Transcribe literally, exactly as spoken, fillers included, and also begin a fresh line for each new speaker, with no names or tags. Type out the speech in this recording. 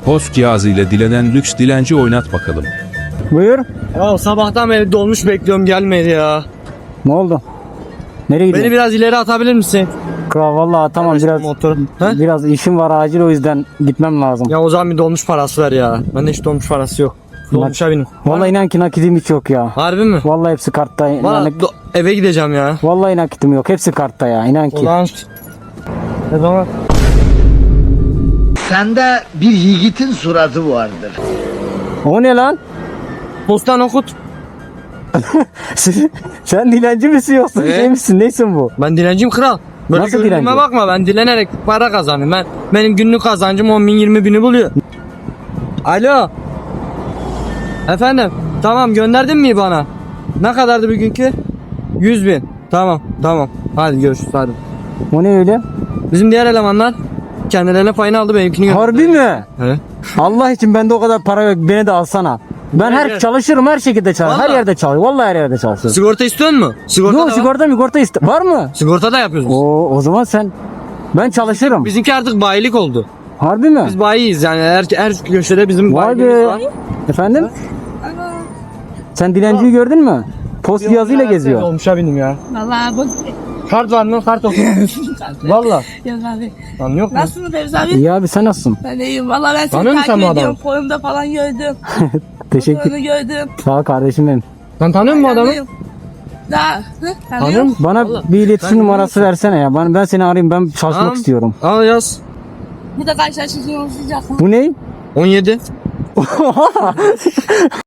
Post cihazı ile dilenen lüks dilenci oynat bakalım.
Buyur.
Ya sabahtan beri dolmuş bekliyorum, gelmedi ya.
Ne oldu? Nereye
Beni
gidiyorsun?
biraz ileri atabilir misin?
Kral vallahi tamam biraz
Motor. He?
biraz işim var acil o yüzden gitmem lazım.
Ya o zaman bir dolmuş parası ver ya. Bende hiç dolmuş parası yok. Dolmuşa benim.
Vallahi inan ki nakidim hiç yok ya.
Harbi mi?
Vallahi hepsi kartta.
Valla
Yani,
do- eve gideceğim ya.
vallahi nakitim yok. Hepsi kartta ya. İnan ki.
Ulan. Ne zaman?
Sende bir yiğitin suratı vardır.
O ne lan?
Postan okut.
Sen dilenci misin yoksa
Ee?
şey misin? Neysin bu?
Ben dilenciyim kral. Böyle
Nasıl
görünüme
dilenci?
bakma, ben dilenerek para kazanıyorum. Ben, benim günlük kazancım on bin yirmi bini buluyor. Alo. Efendim. Tamam, gönderdin mi bana? Ne kadardı bugünkü? yüz bin. Tamam tamam. Hadi görüşürüz hadi.
O ne öyle?
Bizim diğer elemanlar kendilerine payını aldı, benimkini gönderdi.
Harbi mi?
He.
Allah için bende o kadar para yok. Beni de alsana. Ben her
Gel.
çalışırım, her şekilde çalışırım. Her
Vallahi.
yerde çalışırım. Vallahi her yerde çalışırım.
Sigorta istiyor musun? Sigorta da
Yok
var.
sigorta migorta iste. Var mı?
Sigorta da yapıyoruz.
O o zaman sen ben çalışırım.
Bizimki artık bayilik oldu.
Harbi mi?
Biz bayiyiz yani, her, her köşede bizim
Vay
bayiliğimiz
be.
var.
Efendim? Sen dilenciyi gördün mü? Post cihazıyla geziyor.
Olmuşa bindim ya.
Vallahi bu
Kart var mı? Kart okut. Valla.
yok abi.
Lan yok mu?
Nasılsın Fevzi abi?
İyi abi sen nasılsın?
Ben de iyiyim. Vallahi ben seni
Tanıyor musun
takip
sen bu
ediyorum.
adamı?
Forumda falan gördüm.
Teşekkür.
Fotoğrafını gördüm.
Sağ ol kardeşim benim.
Sen tanıyor musun bu adamı?
Tanıyorum. Daha. Hı?
Tanıyor
Tanıyor
musun?
Bana
Vallahi.
bir iletişim
Ben-
numarası versene ya. Ben, ben seni arayayım. Ben çalışmak
Tamam.
istiyorum.
Al yaz.
Bir de karşılaştığınızı olacak mı?
Bu ne?
on yedi.